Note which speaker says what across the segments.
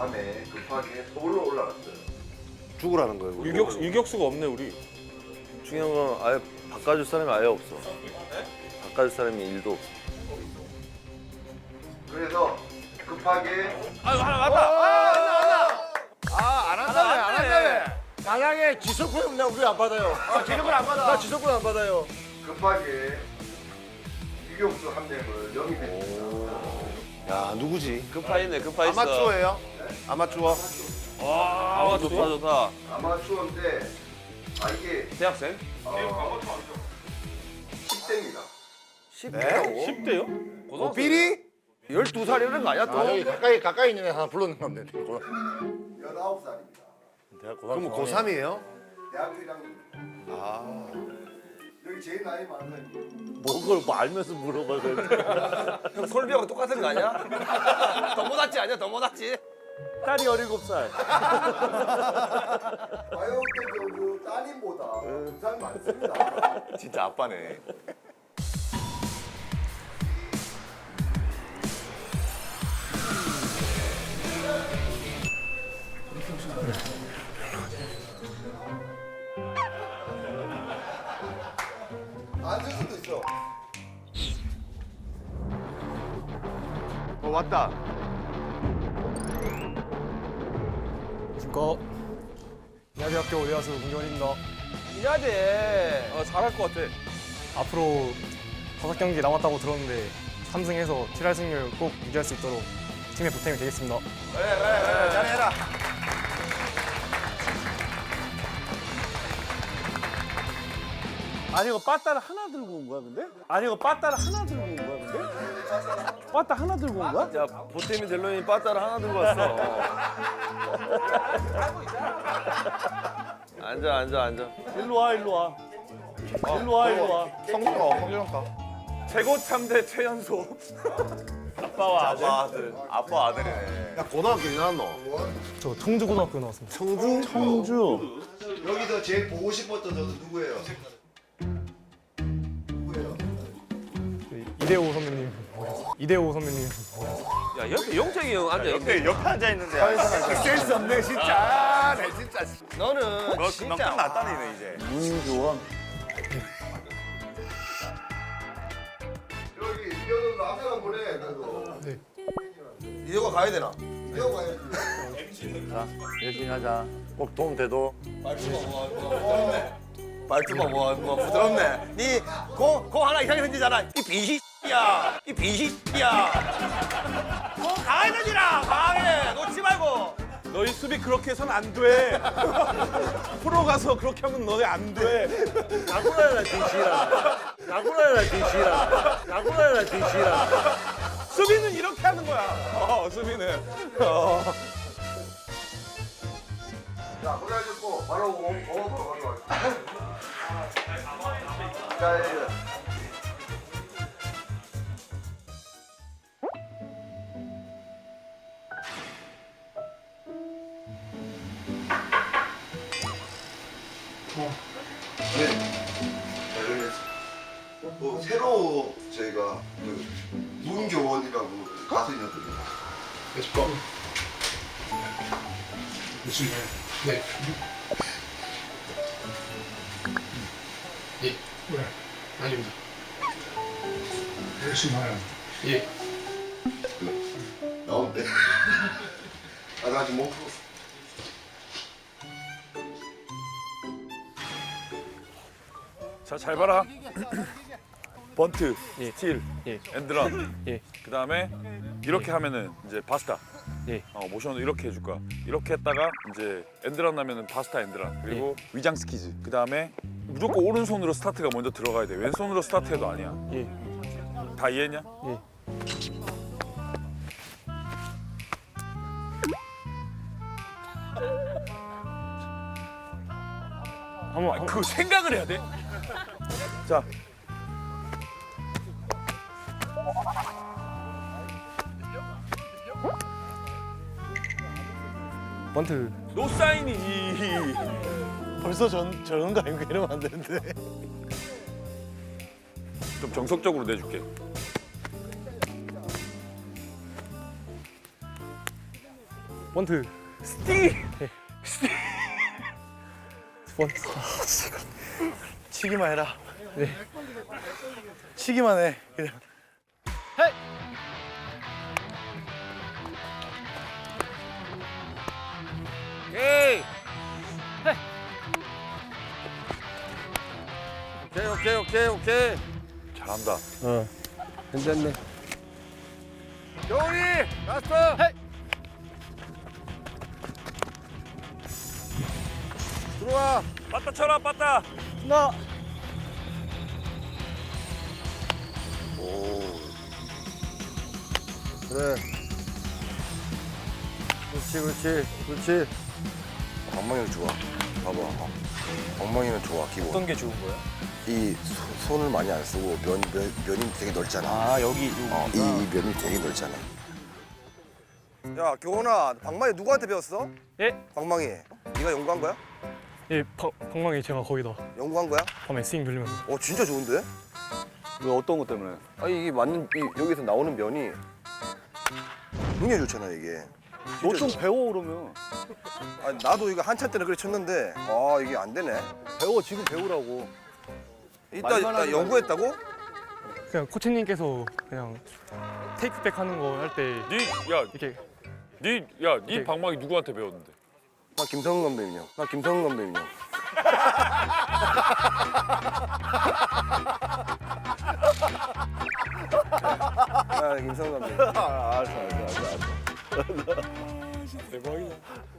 Speaker 1: 밤에 급하게 서울로 올라갔어요.
Speaker 2: 죽으라는 거예요. 우리.
Speaker 3: 유격수가 없네 우리.
Speaker 2: 중요한 건 아예 바꿔줄 사람이 아예 없어. 바꿔줄 사람이 일도 없어.
Speaker 1: 그래서 급하게
Speaker 3: 아 하나 맞다.
Speaker 4: 안 한다며, 안 한다며. 만약에 지속구역 나 우리 안 받아요.
Speaker 3: 지금은 안 받아.
Speaker 4: 나 지속구역 안 받아요.
Speaker 1: 급하게 유격수 한 명을 영입했습니다.
Speaker 2: 야 누구지?
Speaker 3: 급파있네 급파있어.
Speaker 4: 아마추어예요? 아마추어.
Speaker 3: 와 좋다 좋다.
Speaker 1: 아마추어인데 이게
Speaker 3: 대학생?
Speaker 1: 10대입니다.
Speaker 3: 10대요?
Speaker 4: 삐리?
Speaker 2: 12살이라는 거 아니야 또?
Speaker 4: 여기 가까이 있는 애 하나 불러놓은 건데.
Speaker 1: 19살입니다.
Speaker 2: 그럼 고3이에요?
Speaker 1: 대학교 1학년입니다. 여기 제일 나이 많은 사람이
Speaker 2: 그걸 뭐 알면서 물어봐.
Speaker 3: 형 솔비하고 똑같은 거 아니야? 더 못났지 아니야? 더 못났지?
Speaker 2: 딸이 17살.
Speaker 1: 과요태 그 따님보다 2살 많습니다.
Speaker 2: 진짜 아빠네.
Speaker 1: 안 쓸 수도 있어.
Speaker 2: 왔다.
Speaker 5: 안녕하십니까. 인하대학교 외야수 문경원입니다.
Speaker 3: 해야 돼. 잘할 것 같아.
Speaker 5: 앞으로 5경기 남았다고 들었는데 3승해서 7할 승률 꼭 유지할 수 있도록 팀의 보탬이 되겠습니다.
Speaker 3: 그래 잘해라.
Speaker 6: 아니 이거 빠따를 하나 들고 온 거야 근데? 아니 이거 빠따를 하나 들고 온 거야 근데? 빠따 하나 들고 온 거야?
Speaker 2: 야 보탬이 델로니 빠따를 하나 들고 왔어. 앉아.
Speaker 6: 일로 와 일로 와. 일로 와 일로 와.
Speaker 3: 최고 참대 최연소.
Speaker 2: 아빠와 아들. 아빠 아들이네.
Speaker 4: 야 고등학교 어디 나왔노?
Speaker 5: 저 청주고등학교 나왔습니다.
Speaker 6: 청주.
Speaker 1: 여기서 제일 보고 싶었던 선수 누구예요? 누구예요?
Speaker 5: 이대호 선배님. 이대호 선배님.
Speaker 3: 야 옆에 용택이 형 앉아 있네.
Speaker 2: 옆에 앉아 있는데.
Speaker 4: 센스 없네 진짜. 내 진짜.
Speaker 3: 너는
Speaker 2: 너
Speaker 3: 진짜
Speaker 2: 금방 끝났다니네 이제.
Speaker 6: 문교원.
Speaker 1: 여기 이현우 남자가 보내. 나도.
Speaker 4: 이대호가 가야 되나?
Speaker 1: 이현우 가야지.
Speaker 2: 열심히 하자. 꼭 도움 돼도.
Speaker 4: 말투가 뭐 부드럽네. 니고 하나 이상하게 생기잖아. 이 비시야. 이 비시야. 고 가야 되지라. 가해. 놓지 말고.
Speaker 3: 너희 수비 그렇게 해선 안 돼. 프로 가서 그렇게 하면 너네 안 돼.
Speaker 2: 야구라라 뒤시라. 야구라라 뒤시라. 야구라라 뒤시라.
Speaker 3: 수비는 이렇게 하는 거야. 수비는.
Speaker 1: 자, 고생하셨고 바로 공업으로 가져갈게요. 자, 네. 잘 되겠습니다. 새로 저희가 그 문교원이라고 가수 있거든요.
Speaker 7: 아닙니다. 열심히 하라. 예.
Speaker 1: 나온대. 나 아직 못 풀었어.
Speaker 3: 자, 잘 봐라. 번트,
Speaker 5: 예.
Speaker 3: 스틸,
Speaker 5: 예.
Speaker 3: 엔드런.
Speaker 5: 예.
Speaker 3: 그다음에 이렇게 하면은 이제 바스타.
Speaker 5: 예.
Speaker 3: 모션을 이렇게 해줄 거야. 이렇게 했다가 이제 엔드런 나면은 바스타 엔드런. 그리고 위장 스키즈. 그다음에 무조건 오른손으로 스타트가 먼저 들어가야 돼. 왼손으로 스타트해도 아니야.
Speaker 5: 예.
Speaker 3: 다 이해했냐?
Speaker 5: 예. 한번
Speaker 3: 그 생각을 해야 돼. 자,
Speaker 5: 번트.
Speaker 3: 노 사인이지.
Speaker 6: 벌써 저런 거 아니고 이러면 안 되는데.
Speaker 3: 좀 정석적으로 내줄게.
Speaker 5: 번트.
Speaker 6: 스티.
Speaker 5: 번트.
Speaker 6: 치기만 해라.
Speaker 5: 네.
Speaker 6: 치기만 해. 그냥.
Speaker 2: 오케이.
Speaker 3: 잘한다.
Speaker 1: 괜찮네.
Speaker 2: 경훈이 라스트. 들어와.
Speaker 3: 빠따 쳐라 빠따.
Speaker 5: 나.
Speaker 1: 그래. 그렇지.
Speaker 7: 엉망이는 좋아. 봐봐. 엉망이는 좋아. 기본.
Speaker 6: 어떤 게 좋은 거야?
Speaker 7: 이 손을 많이 안 쓰고 면이 되게 넓잖아.
Speaker 6: 아 여기
Speaker 7: 이 면이 되게 넓잖아.
Speaker 4: 야 교훈아 방망이 누구한테 배웠어?
Speaker 5: 예?
Speaker 4: 방망이 네가 연구한 거야?
Speaker 5: 예, 방망이 제가 거의 다
Speaker 4: 연구한 거야?
Speaker 5: 밤에 스윙 돌리면서.
Speaker 4: 진짜 좋은데?
Speaker 6: 왜 어떤 것 때문에?
Speaker 7: 아니 이게 맞는 여기서 나오는 면이 굉장히 좋잖아 이게.
Speaker 6: 너 좀 배워 그러면.
Speaker 4: 아니, 나도 이거 한참 때는 그래 쳤는데 이게 안 되네.
Speaker 6: 배워 지금 배우라고.
Speaker 4: 이따 연구했다고?
Speaker 5: 그냥 코치님께서 그냥 테이크백 하는 거 할 때 이렇게
Speaker 3: 네 방망이 누구한테 배웠는데?
Speaker 7: 나 김성근 감독님이요.
Speaker 4: 아 김성남 감독님.
Speaker 7: 알았어.
Speaker 5: 대박이다.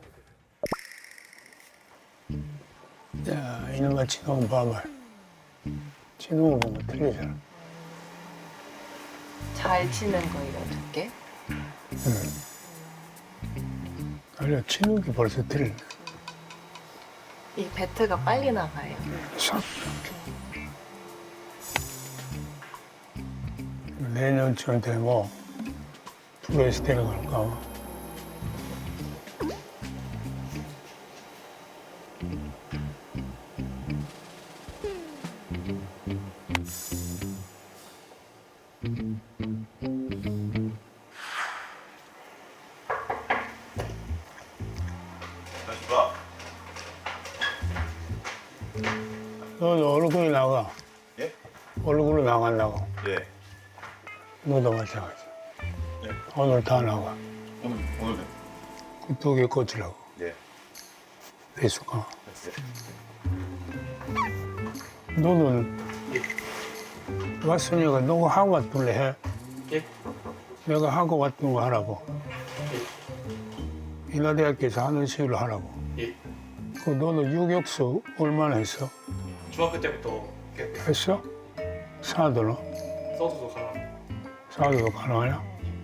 Speaker 8: 야, 이놈아 지금 봐봐. 지금 보면 틀리잖아.
Speaker 9: 잘 치는 거 이런 두께?
Speaker 8: 아니야, 치는 게 벌써 틀리네.
Speaker 9: 이 배트가 빨리 나가요.
Speaker 8: 싹. 내년쯤 되면 프로에서 데려갈까. 너도 얼굴이 나가.
Speaker 3: 예?
Speaker 8: 얼굴로 나간다고.
Speaker 3: 예.
Speaker 8: 너도 마찬가지. 오늘 다 나가.
Speaker 3: 오늘도.
Speaker 8: 그 두 개 꽂으라고.
Speaker 3: 예.
Speaker 8: 배수가. 너는 왔으니까 너가 하고 왔길래 해.
Speaker 5: 예?
Speaker 8: 내가 하고 왔던 거 하라고. 인하대학교에서 하는 식으로 하라고.
Speaker 5: 예.
Speaker 8: 그 너는 유격수 얼마나 했어?
Speaker 5: 중학교 때부터
Speaker 8: 했어? 사도는?
Speaker 5: 서두도 가라.
Speaker 8: 사도도 가능하냐?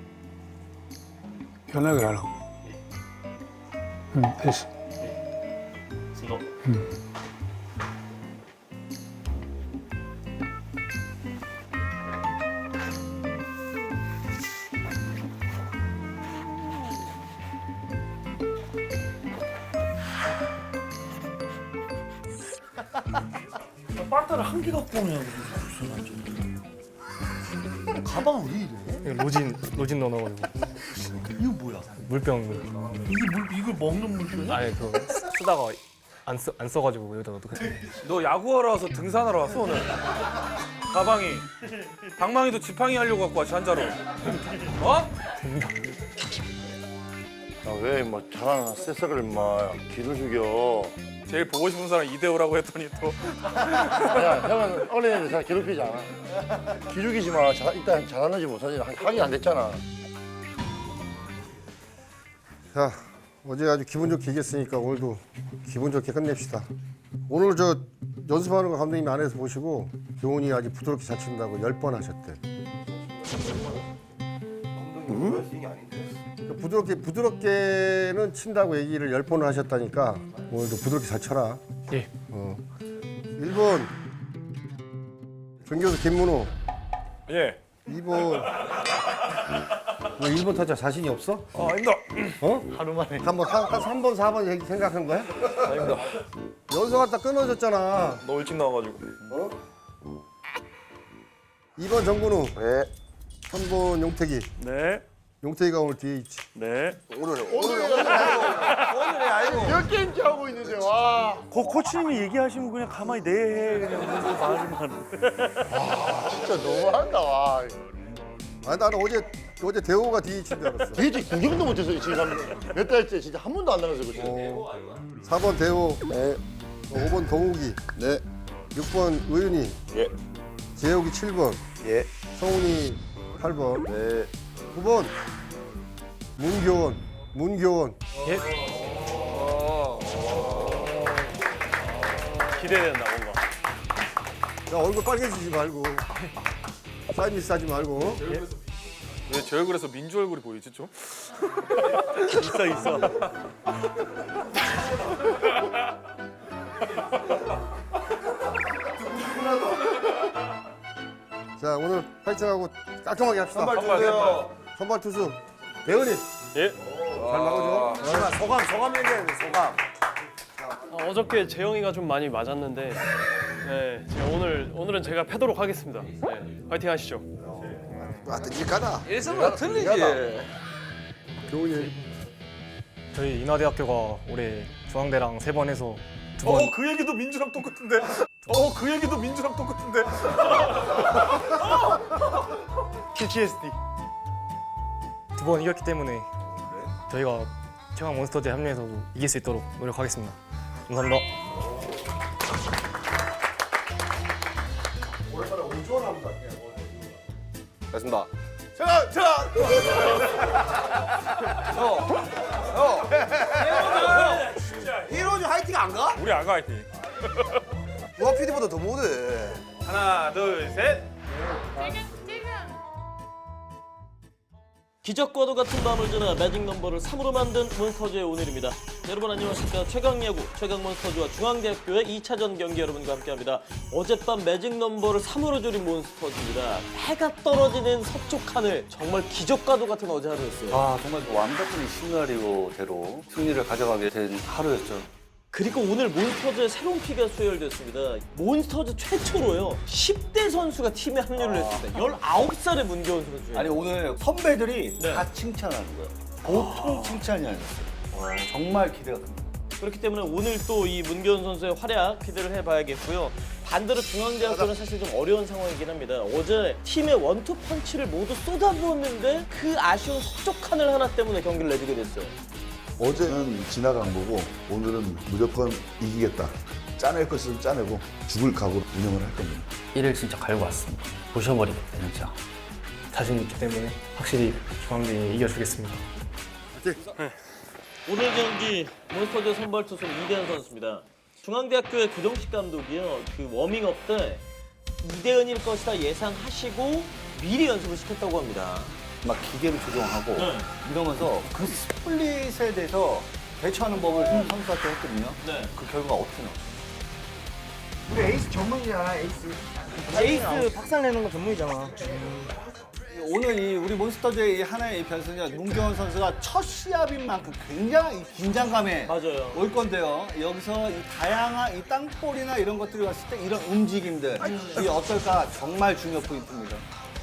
Speaker 8: 편하게 하라고. 응, 됐어.
Speaker 5: 스노.
Speaker 1: 빠따를 한 개 갖고 오냐고. 가방 왜 이래?
Speaker 5: 로진 넣어가지고
Speaker 1: 이거 뭐야?
Speaker 5: 물병.
Speaker 1: 이걸 먹는 물이야?
Speaker 5: 아예 그 쓰다가 안 써가지고 여기다 넣어도
Speaker 6: 너 야구하러 와서 등산하러 왔어 오늘? 가방이. 방망이도 지팡이 하려고 갖고 왔지 한자로. 어?
Speaker 2: 왜뭐 잘하는 새싹을 막 기를 죽여.
Speaker 6: 제일 보고 싶은 사람 이대호라고 했더니 또.
Speaker 2: 야, 형은 어린애들 잘 괴롭히지 않아. 기죽이지 마. 일단 잘하는지 못하는지 확인 안 됐잖아.
Speaker 1: 자, 어제 아주 기분 좋게 이겼으니까 오늘도 기분 좋게 끝냅시다. 오늘 저 연습하는 거 감독님이 안에서 보시고 교훈이 아주 부드럽게 잘 친다고 10번 하셨대. 부드럽게는 친다고 얘기를 10번을 하셨다니까 오늘도 부드럽게 잘 쳐라.
Speaker 5: 예.
Speaker 1: 1번 전교수 김문호.
Speaker 3: 예.
Speaker 1: 2번 너 1번 타자 자신이 없어?
Speaker 3: 아닙니다.
Speaker 5: 하루 만에.
Speaker 1: 한번 3번 4번 생각한 거야?
Speaker 3: 아닙니다.
Speaker 1: 연서 갔다 끊어졌잖아.
Speaker 3: 너 일찍 나와가지고.
Speaker 1: 2번 정근우.
Speaker 7: 네.
Speaker 1: 3번 용태기.
Speaker 3: 네.
Speaker 1: 용태기가 오늘 뒤에 있지.
Speaker 3: 네.
Speaker 7: 오늘
Speaker 6: 코치님이 얘기하시면 그냥 가만히 네 그냥 말만.
Speaker 2: 진짜 너무한다. 와.
Speaker 1: 아 나는 어제 대호가 DH인 줄 알았어.
Speaker 2: 도대체 구경도 못해서 지금 몇 달째 진짜 한 번도 안 나가서 그치?
Speaker 1: 4번 대호. 네. 5번 동욱이. 네. 6번 의윤이.
Speaker 7: 예.
Speaker 1: 재욱이 7번.
Speaker 7: 예.
Speaker 1: 성훈이 8번.
Speaker 7: 네.
Speaker 1: 9번 문교원.
Speaker 5: 기대된다 뭔가.
Speaker 1: 야 얼굴 빨개지지 말고. 사인 미스 하지 말고.
Speaker 3: 왜 제 얼굴에서 민주 얼굴이 보이지 좀?
Speaker 6: 있어.
Speaker 1: 자 오늘 파이팅하고 깔끔하게 합시다. 선발 투수 대은이.
Speaker 5: 예.
Speaker 1: 잘 막아줘.
Speaker 4: 소감 얘기해야 돼, 소감.
Speaker 5: 어저께 재영이가 좀 많이 맞았는데, 네, 제가 오늘은 제가 패도록 하겠습니다. 네, 파이팅 하시죠.
Speaker 1: 끔찍하다.
Speaker 4: 일성과 틀리지.
Speaker 1: 교훈이.
Speaker 5: 저희 인하대학교가 올해 중앙대랑 3번 해서 2번.
Speaker 3: 그 얘기도 민주랑 똑같은데. 그 얘기도 민주랑 똑같은데.
Speaker 5: PTSD. 2번 이겼기 때문에 저희가 최강 몬스터즈에 합류해서도 이길 수 있도록 노력하겠습니다. 감사합니다.
Speaker 7: 알겠습니다.
Speaker 4: 이로즈 화이팅 안 가?
Speaker 3: 우리 아가 화이팅.
Speaker 7: 우아 PD보다 더 못해.
Speaker 6: 하나, 둘, 셋.
Speaker 10: 기적과도 같은 밤을 지나 매직 넘버를 3으로 만든 몬스터즈의 오늘입니다. 여러분 안녕하십니까. 최강야구, 최강몬스터즈와 중앙대학교의 2차전 경기 여러분과 함께합니다. 어젯밤 매직 넘버를 3으로 줄인 몬스터즈입니다. 해가 떨어지는 서쪽 하늘, 정말 기적과도 같은 어제 하루였어요.
Speaker 11: 아 정말 완벽한 시나리오대로 승리를 가져가게 된 하루였죠.
Speaker 10: 그리고 오늘 몬스터즈의 새로운 피가 수혈됐습니다. 몬스터즈 최초로요 10대 선수가 팀에 합류를 했습니다. 19살의 문교원 선수예요.
Speaker 11: 아니 오늘 선배들이
Speaker 10: 네.
Speaker 11: 다 칭찬하는 거예요. 보통 칭찬이 아니었어요. 정말 기대가 됩니다.
Speaker 10: 그렇기 때문에 오늘 또 이 문교원 선수의 활약 기대를 해봐야겠고요. 반대로 중앙대학교는 사실 좀 어려운 상황이긴 합니다. 어제 팀의 원투 펀치를 모두 쏟아부었는데 그 아쉬운 서쪽 하늘 하나 때문에 경기를 내주게 됐어요.
Speaker 12: 어제는 지나간 거고 오늘은 무조건 이기겠다. 짜낼 것은 짜내고 죽을 각오로 운영을 할 겁니다.
Speaker 11: 1일 진짜 갈고 왔습니다. 부셔버리겠다 진짜.
Speaker 5: 자신 있기 때문에 확실히 중앙대에 이겨주겠습니다.
Speaker 10: 오늘 경기 몬스터즈 선발 투수 이대현 선수입니다. 중앙대학교의 교정식 감독이요. 그 워밍업 때 이대현일 것이다 예상하시고 미리 연습을 시켰다고 합니다.
Speaker 11: 막 기계를 조정하고
Speaker 10: 네.
Speaker 11: 이러면서 그 스플릿에 대해서 대처하는 법을 선수한테 했거든요.
Speaker 10: 네.
Speaker 11: 그 결과가 어떻게 나왔어요?
Speaker 4: 우리 에이스 전문이잖아, 에이스.
Speaker 5: 에이스 박살내는 거 전문이잖아.
Speaker 11: 오늘 우리 몬스터즈의 이 하나의 이 변수는 문경원 선수가 첫 시합인 만큼 굉장히 긴장감에
Speaker 10: 맞아요.
Speaker 11: 올 건데요. 여기서 이 다양한 이 땅볼이나 이런 것들이 왔을 때 이런 움직임들 이 어떨까 정말 중요 포인트입니다.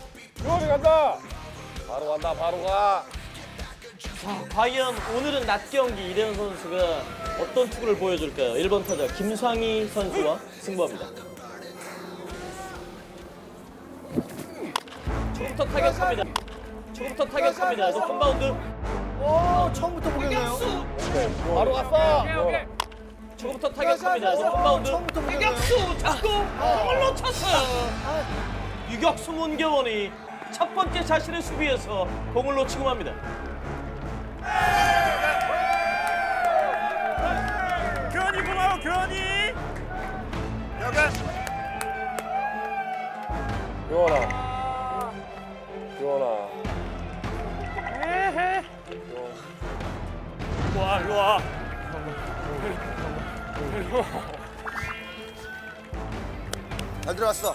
Speaker 10: 자, 과연 오늘은 낮 경기 이대현 선수가 어떤 투구를 보여줄까요? 1번 타자 김상희 선수와 승부합니다. 초부터 타격합니다. 높은 바운드.
Speaker 11: 오, 처음부터 보겠네요.
Speaker 10: 바로 갔어. 초부터 타격합니다. 높은 바운드.
Speaker 11: 처음부터 보겠네요.
Speaker 10: 유격수 잡고 공을 놓쳤어요. 유격수 문경원이 첫 번째 자신의 수비에서 공을 놓치고 맙니다.
Speaker 6: 교환이 고마워, 교환이.
Speaker 5: 일로 와.
Speaker 7: 잘 들어왔어.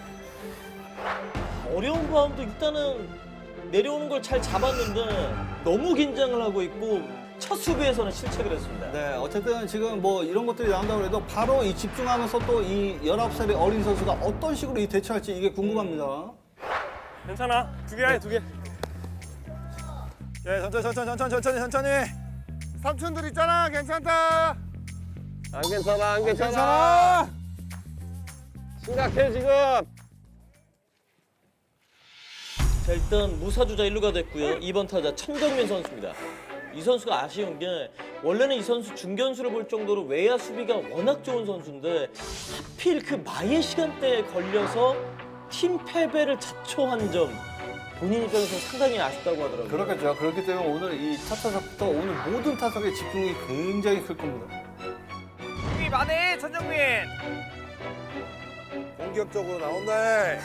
Speaker 10: 어려운 바운드 일단은 내려오는 걸 잘 잡았는데 너무 긴장을 하고 있고 첫 수비에서는 실책을 했습니다.
Speaker 11: 네, 어쨌든 지금 뭐 이런 것들이 나온다고 해도 바로 이 집중하면서 또 이 19살의 어린 선수가 어떤 식으로 이 대처할지 이게 궁금합니다.
Speaker 6: 괜찮아. 2개 해, 2개. 예, 천천히.
Speaker 1: 삼촌들 있잖아. 괜찮다.
Speaker 7: 안 괜찮아, 안 괜찮아. 심각해 지금.
Speaker 10: 자, 일단 무사주자 1루가 됐고요. 2번 타자 천정민 선수입니다. 이 선수가 아쉬운 게 원래는 이 선수 중견수를 볼 정도로 외야 수비가 워낙 좋은 선수인데 하필 그 마의 시간대에 걸려서 팀 패배를 자초한 점 본인 입장에서 상당히 아쉽다고 하더라고요.
Speaker 11: 그렇겠죠. 그렇기 때문에 오늘 이 첫 타석부터 오늘 모든 타석의 집중이 굉장히 클 겁니다.
Speaker 6: 힘이 많네 천정민.
Speaker 7: 공격적으로 나온다.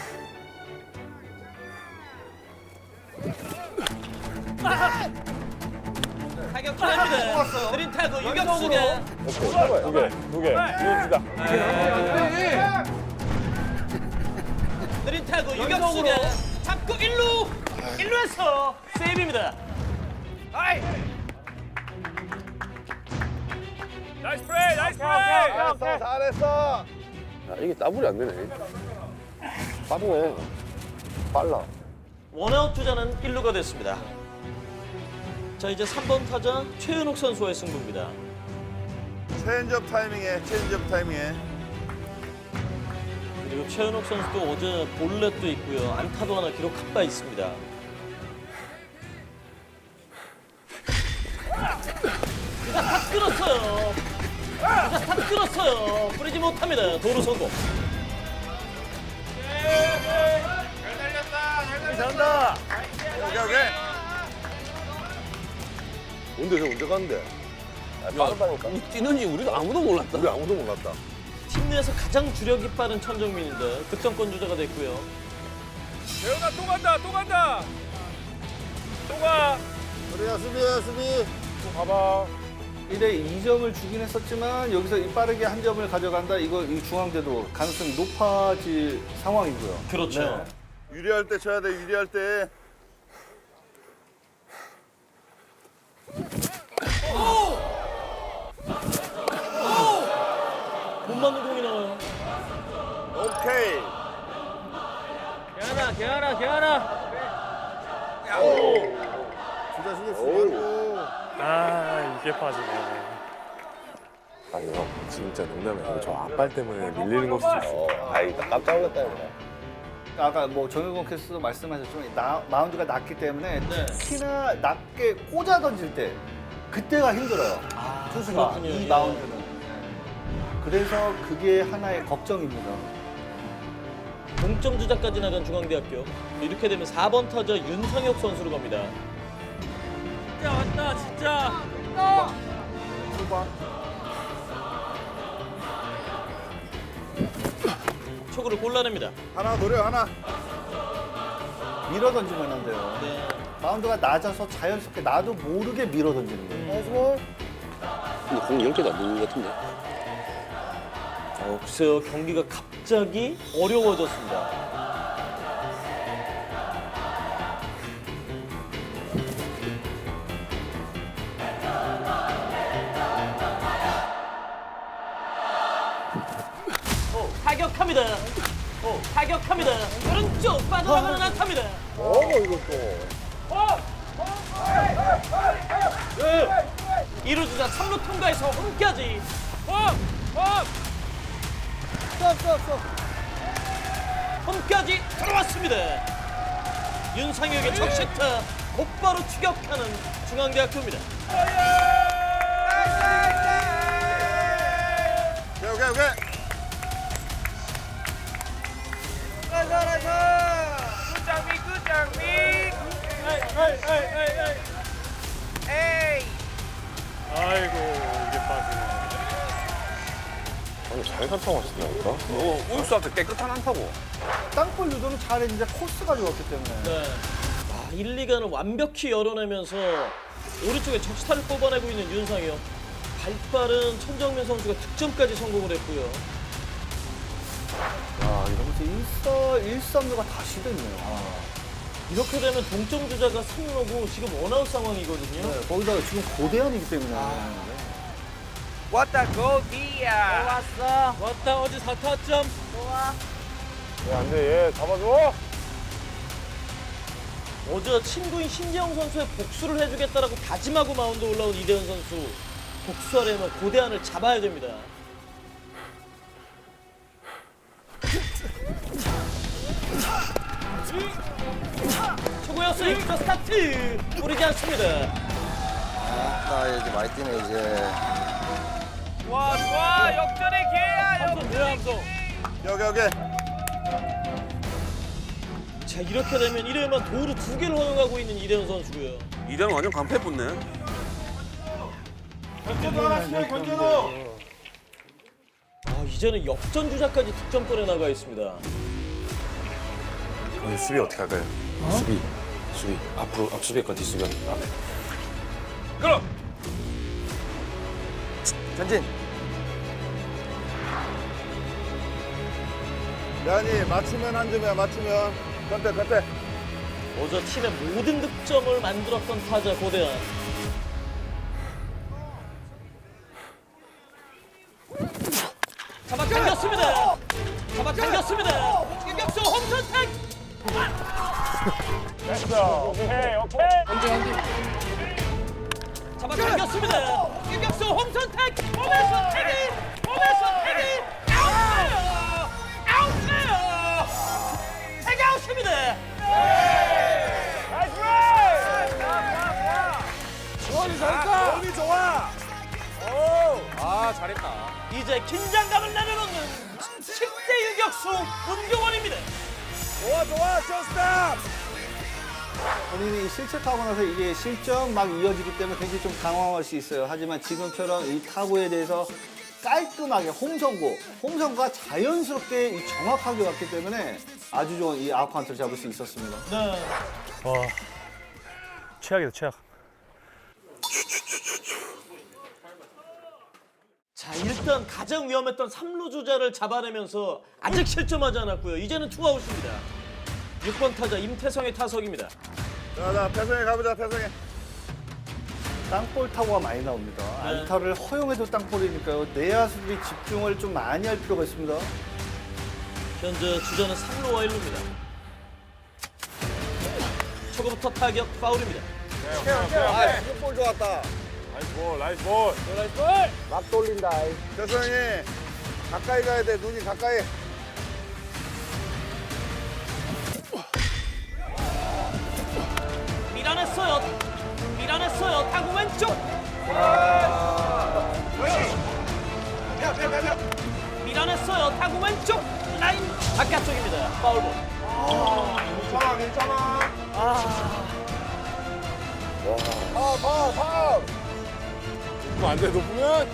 Speaker 10: 타격 기회입니다. 느린 타구 유격수가
Speaker 3: 두개 이어주다.
Speaker 10: 느린 타구 유격수가 잡고 1루에서 세이브입니다.
Speaker 3: 나이스 플레이, 나이스 플레이.
Speaker 7: 잘했어. 야, 이게 따블이 안 되네. 빠르네. 빨라.
Speaker 10: 원아웃 주자는 1루가 됐습니다. 자, 이제 3번 타자 최은옥 선수와의 승부입니다.
Speaker 12: 체인지업 타이밍에 체인지업 타이밍에
Speaker 10: 그리고 최은옥 선수도 어제 볼넷도 있고요. 안타도 하나 기록한 바 있습니다. 주자 다 끊었어요. 주자 다 끊었어요. 뿌리지 못합니다. 도루 성공.
Speaker 3: 잘한다.
Speaker 7: 오케이. 언제 갔는데? 빠르다니까.
Speaker 4: 뛰는지 우리도 아무도 몰랐다.
Speaker 7: 우리 아무도 몰랐다.
Speaker 10: 팀 내에서 가장 주력이 빠른 천정민인데 득점권 주자가 됐고요.
Speaker 3: 재현아 또 간다, 또 간다. 또 가.
Speaker 1: 그래야 수비야 수비.
Speaker 3: 또 가봐.
Speaker 11: 1회 2점을 주긴 했었지만 여기서 이 빠르게 한 점을 가져간다. 이거 이 중앙대도 가능성이 높아질 상황이고요.
Speaker 10: 그렇죠.
Speaker 12: 유리할 때 쳐야 돼. 유리할 때.
Speaker 10: 못 맞는 공이 나와요.
Speaker 12: 오케이.
Speaker 6: 개하나.
Speaker 1: 진짜 신경 쓰지 말고.
Speaker 5: 아 이게 빠지네.
Speaker 7: 아니 형 진짜 농담이 아니고 저 앞발 때문에 밀리는 걸 수도 있어. 아이 나 깜짝 놀랐다 이거.
Speaker 11: 아까 뭐 정일권 캐스터도 말씀하셨지만 마운드가 낮기 때문에
Speaker 10: 네.
Speaker 11: 특히나 낮게 꽂아 던질 때 그때가 힘들어요. 투수가
Speaker 10: 그렇군요.
Speaker 11: 이
Speaker 10: 예.
Speaker 11: 마운드는. 그래서 그게 하나의 걱정입니다.
Speaker 10: 동점 주자까지 나간 중앙대학교. 이렇게 되면 4번 타자 윤상혁 선수로 갑니다. 진짜 왔다 진짜. 초구를 골라냅니다.
Speaker 12: 하나 노려 하나.
Speaker 11: 밀어 던지면 안 돼요.
Speaker 10: 네.
Speaker 11: 마운드가 낮아서 자연스럽게 나도 모르게 밀어 던지는 거예요.
Speaker 4: 근데 공 이렇게 나는 것 같은데.
Speaker 10: 글쎄요, 경기가 갑자기 어려워졌습니다. 타격합니다. 타격합니다. 오른쪽 빠져나가는 안타입니다. 이루 주자 3루 통과해서 홈까지. 홈까지 들어왔습니다. 윤상혁의 적시타 곧바로 추격하는 중앙대학교입니다.
Speaker 12: 오케이.
Speaker 5: 아이고 이게 빠지네.
Speaker 7: 아니 잘 산타고 하시더라니까.
Speaker 6: 우익수한테 깨끗한 안타고.
Speaker 11: 땅볼 유도는 잘했는데 코스가 좋았기 때문에.
Speaker 10: 네. 1, 2간을 완벽히 열어내면서 오른쪽에 적시타를 뽑아내고 있는 윤상혁. 발빠른 천정민 선수가 득점까지 성공을 했고요.
Speaker 11: 야, 이러면서 1-3루가 다시 됐네요.
Speaker 10: 이렇게 되면 동점 주자가 3루고 지금 원아웃 상황이거든요.
Speaker 11: 네, 거기다가 지금 고대한이기 때문에.
Speaker 6: 왔다 고디야.
Speaker 10: 왔다 어제 4타점.
Speaker 12: 안 돼. 얘 잡아줘.
Speaker 10: 어제 친구인 신재영 선수의 복수를 해주겠다라고 다짐하고 마운드 올라온 이대현 선수. 복수하려면 고대한을 잡아야 됩니다. 초구의 스윙 스타트 뿌리지 않습니다.
Speaker 2: 나 이제 많이 뛰네 이제.
Speaker 6: 좋아 좋아 역전의 기회야.
Speaker 10: 함성.
Speaker 7: 여기.
Speaker 10: 자 이렇게 되면 1회만 도루 2개를 허용하고 있는 이대현 선수고요.
Speaker 6: 이대는 완전 강패 붙네.
Speaker 10: 이제는 역전 주자까지 득점권에 나가 있습니다.
Speaker 7: 수비 어떻게 할까요? 수비 앞으로 앞수비과 뒷수비 앞에.
Speaker 3: 끌어.
Speaker 2: 전진.
Speaker 7: 야니 맞추면 한 점이야. 맞추면 컨택.
Speaker 10: 어제 팀의 모든 득점을 만들었던 타자 고대한. 잡아당겼습니다. 유격수 홈선택. 잡아당겼습니다. 유격수 홈선택. 홈에서 태기. 아웃이에요. 태기 아웃입니다.
Speaker 6: 몸이 좋아. 아 잘했다.
Speaker 10: 이제 긴장감을 내려놓는 10대 유격수 문경원입니다.
Speaker 6: 좋아 쇼스탑.
Speaker 11: 본인이 실책 타고 나서 이게 실점 막 이어지기 때문에 굉장히 좀 당황할 수 있어요. 하지만 지금처럼 이 타구에 대해서 깔끔하게 홈선구가 자연스럽게 이 정확하게 왔기 때문에 아주 좋은 이 아웃카운트를 잡을 수 있었습니다.
Speaker 10: 네.
Speaker 5: 최악이다 최악.
Speaker 10: 자 일단 가장 위험했던 3루 주자를 잡아내면서 아직 실점하지 않았고요. 이제는 투아웃입니다. 6번 타자 임태성의 타석입니다.
Speaker 7: 자 패성에 가보자. 패성에.
Speaker 11: 땅볼 타구가 많이 나옵니다.
Speaker 10: 네.
Speaker 11: 안타를 허용해도 땅볼이니까요. 내야수들이 집중을 좀 많이 할 필요가 있습니다.
Speaker 10: 현재 주자는 3루와 1루입니다. 초구부터 타격 파울입니다.
Speaker 7: 볼 좋았다.
Speaker 3: 나이스 볼.
Speaker 7: 막 돌린다. 패성이 가까이 가야 돼. 눈이 가까이.
Speaker 10: 밀어냈어요. 타구 왼쪽. 밀어냈어요. 타구 왼쪽. 라인 바깥쪽입니다. 파울볼.
Speaker 7: 괜찮아. 파울.
Speaker 3: 안 돼, 높으면.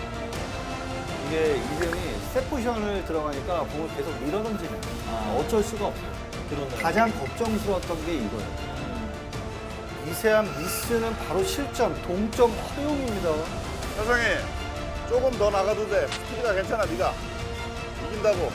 Speaker 11: 이게 이름이 세 포지션을 들어가니까 공을 계속 밀어던지는 어쩔 수가 없어요.
Speaker 10: 그러네요.
Speaker 11: 가장 걱정스러웠던 게 이거예요. 미세한 미스는 바로 실점, 동점 허용입니다.
Speaker 7: 패성이 조금 더 나가도 돼. 스피드가 괜찮아. 네가 이긴다고.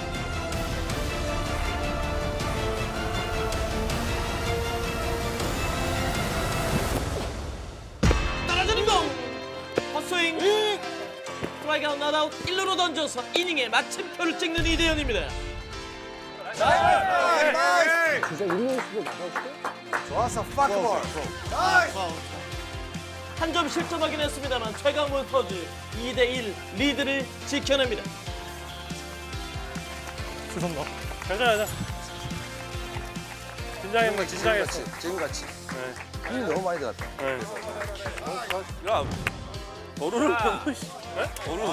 Speaker 10: 떨어지는 공. 헛스윙. 스트라이크 아웃 낫아웃 1루로 던져서 이닝에 마침표를 찍는 이대현입니다.
Speaker 7: 좋았어. 파크볼.
Speaker 10: 한 점 실점하긴 했습니다만 최강 몬스터즈 2대1 리드를 지켜냅니다.
Speaker 5: 죄송합니다. 괜찮아. 긴장했어.
Speaker 2: 지금같이. 힘이 너무 많이 들어갔다.
Speaker 6: 야 도루를 보고 도루.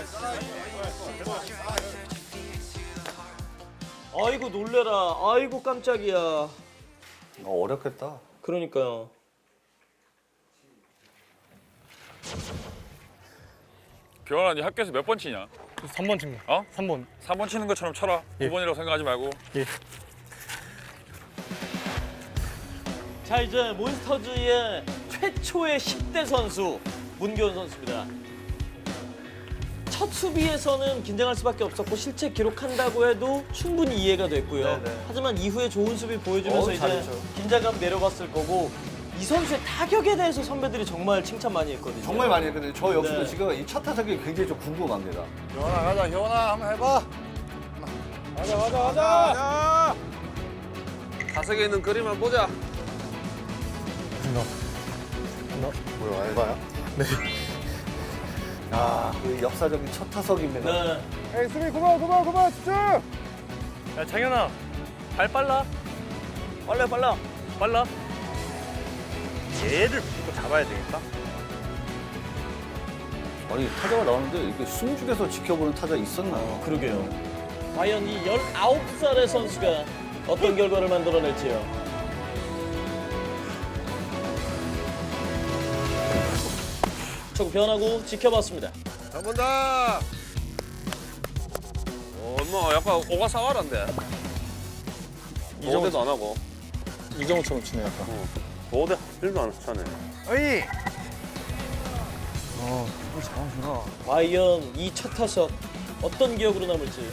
Speaker 10: 아이고 놀래라. 아이고 깜짝이야.
Speaker 11: 어렵겠다.
Speaker 10: 그러니까요.
Speaker 3: 교환아, 네 학교에서 몇 번 치냐?
Speaker 5: 3번 칩니다.
Speaker 3: 어?
Speaker 5: 3번.
Speaker 3: 3번 치는 것처럼 쳐라.
Speaker 5: 예.
Speaker 3: 9번이라고 생각하지 말고.
Speaker 5: 예.
Speaker 10: 자 이제 몬스터즈의 최초의 10대 선수 문교원 선수입니다. 첫 수비에서는 긴장할 수밖에 없었고 실책 기록한다고 해도 충분히 이해가 됐고요.
Speaker 11: 네네.
Speaker 10: 하지만 이후에 좋은 수비 보여주면서 이제
Speaker 11: 잘했죠.
Speaker 10: 긴장감 내려갔을 거고 이 선수의 타격에 대해서 선배들이 정말 칭찬 많이 했거든요.
Speaker 11: 정말 많이 했거든요. 저 역시도
Speaker 10: 네.
Speaker 11: 지금 이 첫 타석이 굉장히 좀 궁금합니다.
Speaker 7: 효원아 가자. 효원아 한번 해봐.
Speaker 6: 가자. 다섯에 있는 그림만 보자.
Speaker 7: 뭐야 알바야?
Speaker 11: 그 역사적인 첫 타석입니다.
Speaker 10: 네.
Speaker 7: 에이 수비 그만 집중.
Speaker 5: 야 창현아, 발 빨라.
Speaker 4: 빨라.
Speaker 6: 빨라. 얘를 무조건 잡아야 되겠다.
Speaker 11: 아니 타자가 나오는데 이렇게 숨죽여서 지켜보는 타자 있었나?
Speaker 10: 그러게요. 과연 이 19살의 선수가 어떤 결과를 만들어낼지요. 좀 변하고 지켜봤습니다.
Speaker 2: 한 번 더.
Speaker 6: 엄마 약간 오가사와라인데.
Speaker 5: 이정도
Speaker 6: 안 하고.
Speaker 5: 이정우처럼 치네 약간.
Speaker 6: 보호대 1도 안 차네.
Speaker 2: 어이.
Speaker 5: 잘하시나.
Speaker 10: 과연 이 첫 타석 어떤 기억으로 남을지.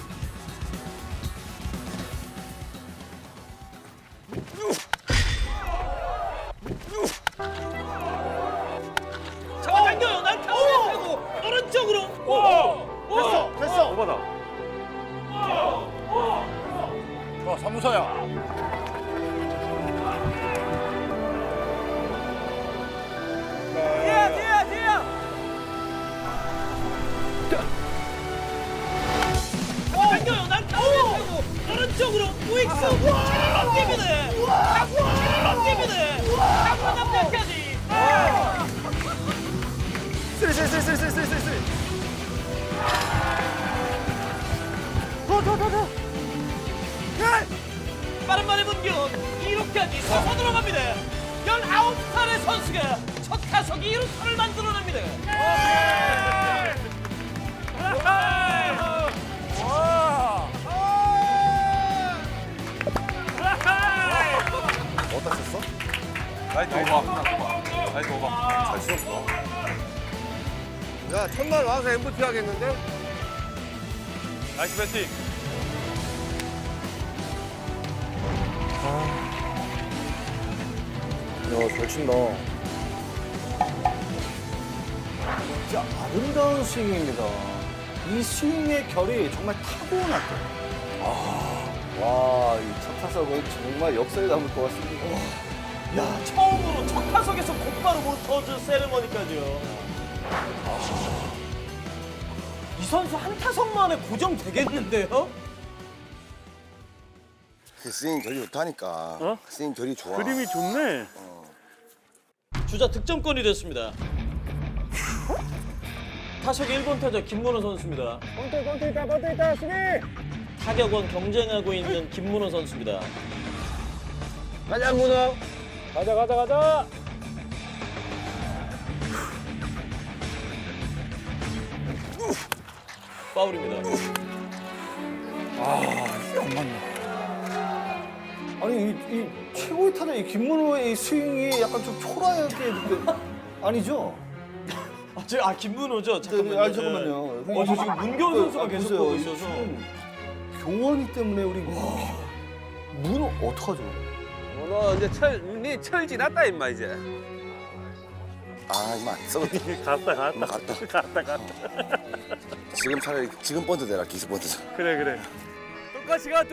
Speaker 10: 잡아당겨요. 날카로운 타고 오른쪽으로.
Speaker 2: 됐어.
Speaker 6: 오바다.
Speaker 2: 좋아, 사무소야.
Speaker 10: 당겨요. 날카로운 타고 오른쪽으로 우익수. 런닝이네. 런닝이네. 타고 남자까지.
Speaker 5: 쓰리.
Speaker 10: 빠른 말의 문경 2루까지 서서 들어갑니다. 19살의 선수가 첫 타석 2루타를 만들어냅니다.
Speaker 2: 어디다 썼어?
Speaker 3: 라이트 오바.
Speaker 2: 잘 치웠다. 야, 첫날 와서 MVT 하겠는데?
Speaker 3: 나이스 배팅.
Speaker 5: 야잘 친다.
Speaker 11: 진짜 아름다운 스윙입니다. 이 스윙의 결이 정말 타고났다. 와, 이 첫 타석은 정말 역사에 남을 것 같습니다.
Speaker 10: 야, 처음으로 첫 타석에서 곧바로 모터즈 세레머니까지요. 이 선수 한 타석 만에 고정되겠는데요?
Speaker 2: 스윙 결이 좋다니까. 스윙 결이 좋아.
Speaker 6: 그림이 좋네.
Speaker 10: 주자 득점권이 됐습니다. 타석 1번 타자 김문호 선수입니다.
Speaker 5: 번트 있다 수비.
Speaker 10: 타격원 경쟁하고 있는 김문호 선수입니다.
Speaker 2: 가자, 문어.
Speaker 5: 가자.
Speaker 10: 파울입니다.
Speaker 11: 아니 이 최고의 타자 이 김문호의 이 스윙이 약간 좀 초라하게 느껴. 아니죠?
Speaker 10: 김문호죠? 잠깐만요.
Speaker 11: 아니 잠깐만요.
Speaker 10: 저 지금 문경 선수가 계속
Speaker 11: 보세요.
Speaker 10: 보고
Speaker 11: 이
Speaker 10: 있어서.
Speaker 11: 지금 교원이 때문에 우리 문호 어떡하죠?
Speaker 6: 너 이제 철 지났다 임마 이제.
Speaker 2: 아, 이만 썩었다.
Speaker 6: 갔다.
Speaker 2: 지금 차라리 지금 번트 대라, 기습 번트.
Speaker 6: 그래. 똑같이 가.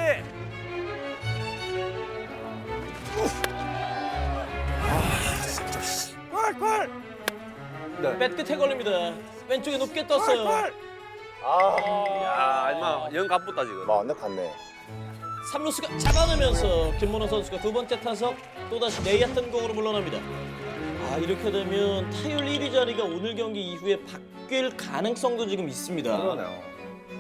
Speaker 10: 뱃 끝에 걸립니다. 왼쪽에 높게 떴어요.
Speaker 6: 야 임마 영 갑붙다 지금.
Speaker 2: 완전 갔네.
Speaker 10: 3루수가 잡아내면서 김문호 선수가 두 번째 타석 또다시 내야탄 공으로 물러납니다. 이렇게 되면 타율 1위 자리가 오늘 경기 이후에 바뀔 가능성도 지금 있습니다.
Speaker 11: 그러네요.